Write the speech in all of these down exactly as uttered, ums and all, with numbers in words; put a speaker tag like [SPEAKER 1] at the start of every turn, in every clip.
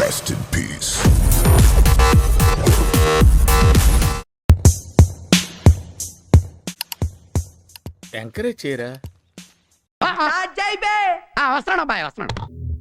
[SPEAKER 1] Rest in peace.
[SPEAKER 2] Encourage చేయరా.
[SPEAKER 3] వస్తున్నాడు అబ్బాయి వస్తున్నాడు.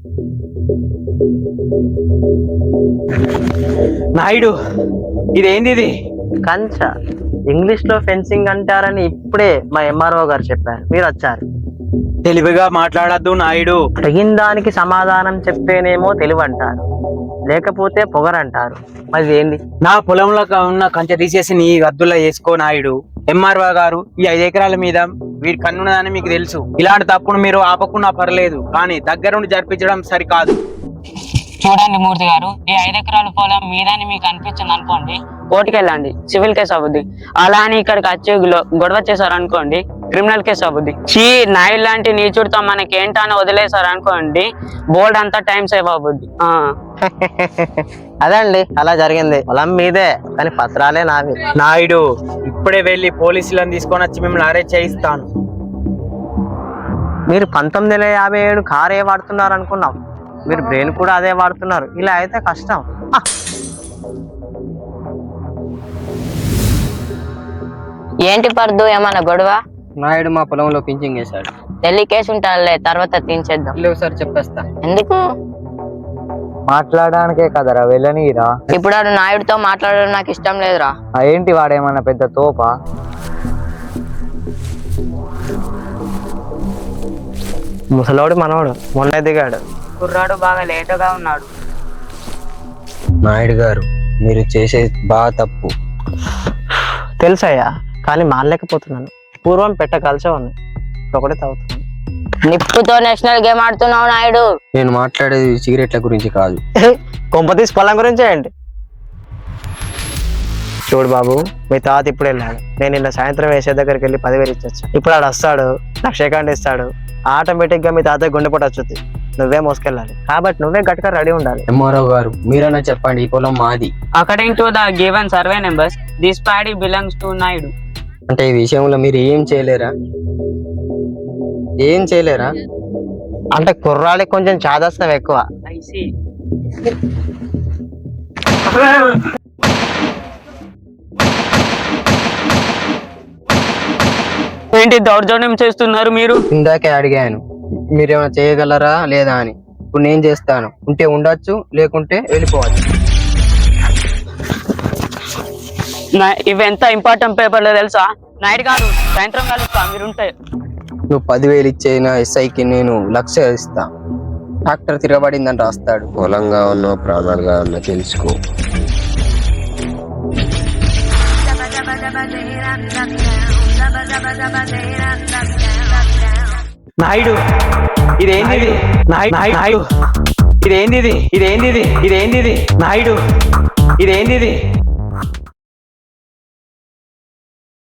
[SPEAKER 4] నాయుడు ఇదేంది ఇది?
[SPEAKER 5] కంచ ఇంగ్లీష్ లో ఫెన్సింగ్ అంటారని ఇప్పుడే మా ఎంఆర్ఓ గారు చెప్పారు, మీరు వచ్చారు.
[SPEAKER 4] తెలివిగా మాట్లాడద్దు నాయుడు.
[SPEAKER 5] అడిగిన దానికి సమాధానం చెప్పేనేమో తెలివి అంటారు, లేకపోతే పొగరంటారు. మరి ఏంది?
[SPEAKER 4] నా పొలంలో ఉన్న కంచె తీసేసి నీ గద్దుల్లో వేసుకో నాయుడు. ఎంఆర్ఓ గారు ఈ ఐదు ఎకరాల మీద వీడి కన్నున్నదని మీకు తెలుసు. ఇలాంటి తప్పును మీరు ఆపకున్నా పర్లేదు, కానీ దగ్గరుండి జరిపించడం సరికాదు.
[SPEAKER 6] చూడండి మూర్తి గారు, ఈ ఐదు ఎకరాల పొలం మీదని మీకు అనిపించింది అనుకోండి, కోర్టుకి వెళ్ళండి, సివిల్ కేసు అవుద్ది. అలా అని ఇక్కడికి వచ్చి గొడవ చేశారు అనుకోండి, క్రిమినల్ కేసు అవుద్ది. చీ నాయుడు లాంటి నీచుడితో మనకి ఏంటని వదిలేశారు అనుకోండి, బోర్డు అంతా టైం సేవ్ అవుద్ది.
[SPEAKER 5] అదండి అలా జరిగింది. పొలం మీదే కానీ పత్రాలే నావి.
[SPEAKER 4] నాయుడు ఇప్పుడే వెళ్ళి పోలీసులను తీసుకొని వచ్చి మిమ్మల్ని అరెస్ట్ చేయిస్తాను.
[SPEAKER 5] మీరు పంతొమ్మిది వందల యాభై ఏడు కారు ఏ వాడుతున్నారు అనుకున్నాం, మీరు బ్రెయిన్ కూడా అదే వాడుతున్నారు. ఇలా అయితే కష్టం.
[SPEAKER 6] ఏంటి పర్దు, ఏమన్నా గొడవ?
[SPEAKER 7] నాయుడు మా పొలంలో పింఛింగ్ వేశాడు.
[SPEAKER 6] ఢిల్లీ కేసు ఉంటారులే, తర్వాత తీర్చేద్దాం.
[SPEAKER 7] లేవు సార్, చెప్పేస్తా.
[SPEAKER 6] ఎందుకు?
[SPEAKER 5] మాట్లాడడానికే కదరా, వెళ్ళనీరా.
[SPEAKER 6] ఇప్పుడు వాడు నాయుడుతో మాట్లాడడం నాకు ఇష్టం లేదురా.
[SPEAKER 5] ఏంటి వాడేమన్నా పెద్ద తోపా? ముసలోడు మనోడు మొన్న దిగాడు.
[SPEAKER 6] కుర్రాడు బాగా లేటుగా ఉన్నాడు.
[SPEAKER 7] నాయుడు గారు మీరు చేసేది బాగా తప్పు.
[SPEAKER 5] తెలుసయ్యా, కానీ మానలేకపోతున్నాను. పూర్వం పెట్ట కలిసే ఉంది, ఒకటే తాగుతున్నాను.
[SPEAKER 6] నిప్పుతో నేషనల్ గేమ్ ఆడుతున్నావు నాయుడు.
[SPEAKER 7] నేను మాట్లాడేది సిగరెట్ల గురించి కాదు.
[SPEAKER 5] కొంపతీసి పొలం గురించే అండి. చూడు బాబు, మీ తాత ఇప్పుడు వెళ్ళాడు. నేను నిన్న సాయంత్రం వేసే దగ్గరికి వెళ్ళి పదివేలు ఇచ్చొచ్చు. ఇప్పుడు ఆడు వస్తాడు, నాకు షేకాండ్ ఇస్తాడు. ఆటోమేటిక్ గా మీ తాత గుండెపోటు వచ్చుద్ది. నువ్వే మోసుకెళ్ళాలి, కాబట్టి నువ్వే గట్టిగా రెడీ ఉండాలి.
[SPEAKER 7] ఎంఆర్ఓ గారు మీరన్నా చెప్పండి, ఈ పొలం మాది.
[SPEAKER 6] According to the given survey numbers, this paddy belongs to Naidu.
[SPEAKER 7] అంటే ఈ విషయంలో మీరు ఏం చేయలేరా? ఏం చేయలేరా?
[SPEAKER 5] అంటే కుర్రాడికి కొంచెం చాదస్తం ఎక్కువ.
[SPEAKER 6] ఏంటి దౌర్జన్యం చేస్తున్నారు మీరు?
[SPEAKER 7] ఇందాకే అడిగాను మీరేమైనా చేయగలరా లేదా అని. ఇప్పుడు నేను చేస్తాను. ఉంటే ఉండొచ్చు, లేకుంటే వెళ్ళిపోవచ్చు.
[SPEAKER 6] ఇవెంత ఇంపార్టెంట్ పేపర్లో తెలుసా? నాయుడు గారు సాయంత్రం కలుస్తా, మీరుంటే.
[SPEAKER 7] నువ్వు పదివేలు ఇచ్చేనా ఎస్ఐకి నేను లక్ష ఇస్తా. ట్రాక్టర్ తిరగబడిందని రాస్తాడు.
[SPEAKER 8] పొలంగా ఉన్నా ప్రాణాలుగా ఉన్నా తెలుసుకో.
[SPEAKER 4] నాయుడు ఇదేంది ఇది? నాయుడు ఇదేంది ఇది? ఇదేంది ఇది? ఇదేంది ఇది? నాయుడు ఇదేంది ఇది?